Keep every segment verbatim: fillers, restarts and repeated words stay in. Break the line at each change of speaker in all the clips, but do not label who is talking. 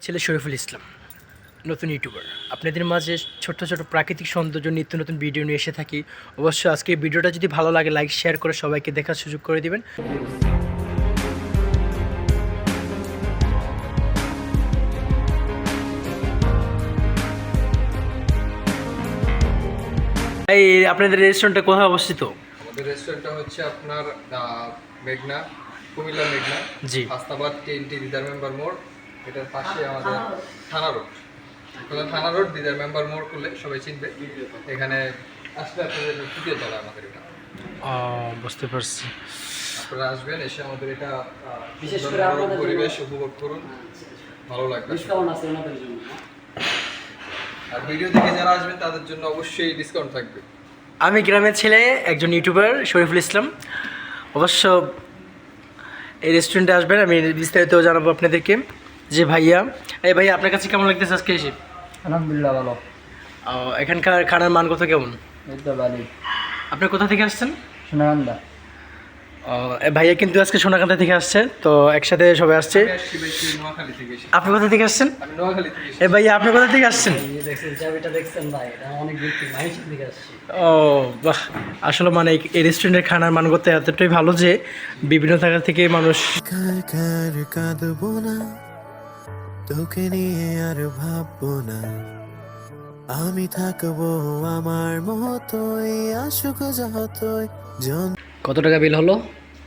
ছেলে শরীফুল ইসলাম, নতুন ইউটিউবার। আপনাদের মাঝে ছোট্ট ছোট প্রাকৃতিক সৌন্দর্য নিত্য নতুন ভিডিও নিয়ে এসে থাকি। অবশ্যই আজকে এই ভিডিওটা যদি ভালো লাগে লাইক শেয়ার করে সবাইকে দেখার সুযোগ করে দিবেন। এই আপনাদের রেস্টুরেন্টটা কোথায় অবস্থিত?
আমাদের রেস্টুরেন্টটা হচ্ছে আপনার আহ, মেঘনা, কুমিল্লা মেঘনা,
জি।
আস্তাবাদ টিএনটি দিদার মেম্বার মোড়, এটার পাশে আমাদের থানা রোড। কোথাও থানা রোড দিদার মেম্বার মোড় করলে সবাই চিনবে। এখানে আসলে আপনাদের তৃতীয় তলা আমাদের এটা।
ও, বুঝতে পারছি।
আপনারা আসবেন, এসে আমাদের এটা আহ,
বিশেষ
সুন্দর
করে
মনোরম
আপনাদের
পরিবেশ উপভোগ করুন, ভালো লাগবে।
ডিসকাউন্ট আছে ওনাদের জন্য।
আর ভিডিও দেখে যারা আসবেন তাদের জন্য অবশ্যই ডিসকাউন্ট থাকবে।
আমি গ্রামের ছেলে, একজন ইউটিউবার শরীফুল ইসলাম। অবশ্য এই রেস্টুরেন্টে আসবেন, আমি বিস্তারিত জানাবো আপনাদেরকে। যে ভাইয়া, এই ভাইয়া আপনার কাছে কেমন লাগতেছে আজকে এসে?
আলহামদুলিল্লাহ ভালো।
আহ, এখানকার খানার মান কত কেমন?
এই তো ভালো।
আপনি কোথা থেকে আসছেন?
সোনাগান্দা।
আহ, এ ভাইয়া কিন্তু আজকে সোনাকান্দা থেকে আসছে, তো একসাথে সবাই আসছে।
আমি আসছি বেশি নোয়াখালী থেকে এসে।
আপনি কোথা থেকে আসছেন?
আমি নোয়াখালী থেকে এসেছি।
এ ভাইয়া আপনি কোথা থেকে আসছেন?
এই দেখছেন চাবিটা দেখছেন ভাই, এটা অনেক দূর থেকে মাইশন থেকে আসছি।
ও বাহ, আসলে মানে এই- এই রেস্টুরেন্টের খানার মানগত এতটাই ভালো যে বিভিন্ন জায়গা থেকে মানুষ।
কার কাঁদবো না, তোকে নিয়ে আর ভাববো না, আমি থাকবো আমার মতোই, আসুক যতই জন।
কত টাকা বিল হলো?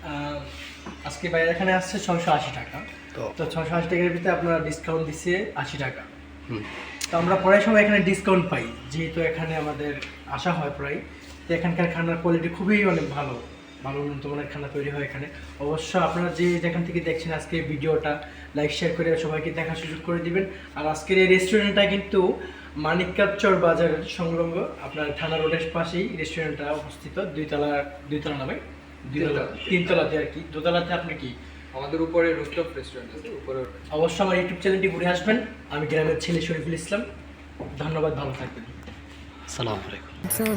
আজকে বাইরে এখানে আসছে ছশো আশি টাকা। তো ছশো আশি টাকার ভিতরে আপনারা ডিসকাউন্ট দিচ্ছে আশি টাকা। তো আমরা প্রায় সময় এখানে ডিসকাউন্ট পাই, যেহেতু এখানে আমাদের আসা হয় প্রায়। তো এখানকার খানার কোয়ালিটি খুবই অনেক ভালো, ভালো উন্নত মানের খানা তৈরি হয় এখানে। অবশ্য আপনারা যে যেখান থেকে দেখছেন আজকে ভিডিওটা লাইক শেয়ার করে সবাইকে দেখার সুযোগ করে দিবেন। আর আজকের এই রেস্টুরেন্টটা কিন্তু মানিককাপচর বাজারের সংলগ্ন, আপনার থানা রোডের পাশেই রেস্টুরেন্টটা অবস্থিত। দুইতলা, দুইতলা নামে দুইতলা, তিনতলাতে আর কি। দোতলাতে আপনি কি?
আমাদের উপরে রুফটপ রেস্টুরেন্ট আছে, উপরে।
অবশ্যই আমার ইউটিউব চ্যানেলটি ঘুরে আসবেন। আমি গ্রামের ছেলে শরীফুল ইসলাম। ধন্যবাদ, ভালো থাকবেন। আসসালামু আলাইকুম।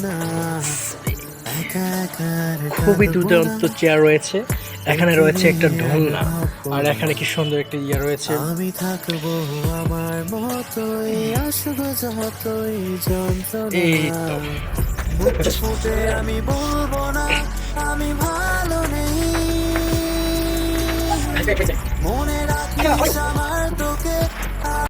খুবই দুর্দান্ত চেয়ার রয়েছে, এখানে রয়েছে একটা ঢোলনা, আর এখানে কি সুন্দর একটা ইয়ে রয়েছে।
আমি থাকবো আমার মতোই, আসুক যতই
এই তো।
যন্ত্রণা, ফুটে আমি বলবো না আমি ভালো নেই, মনে রাখিস আমার তো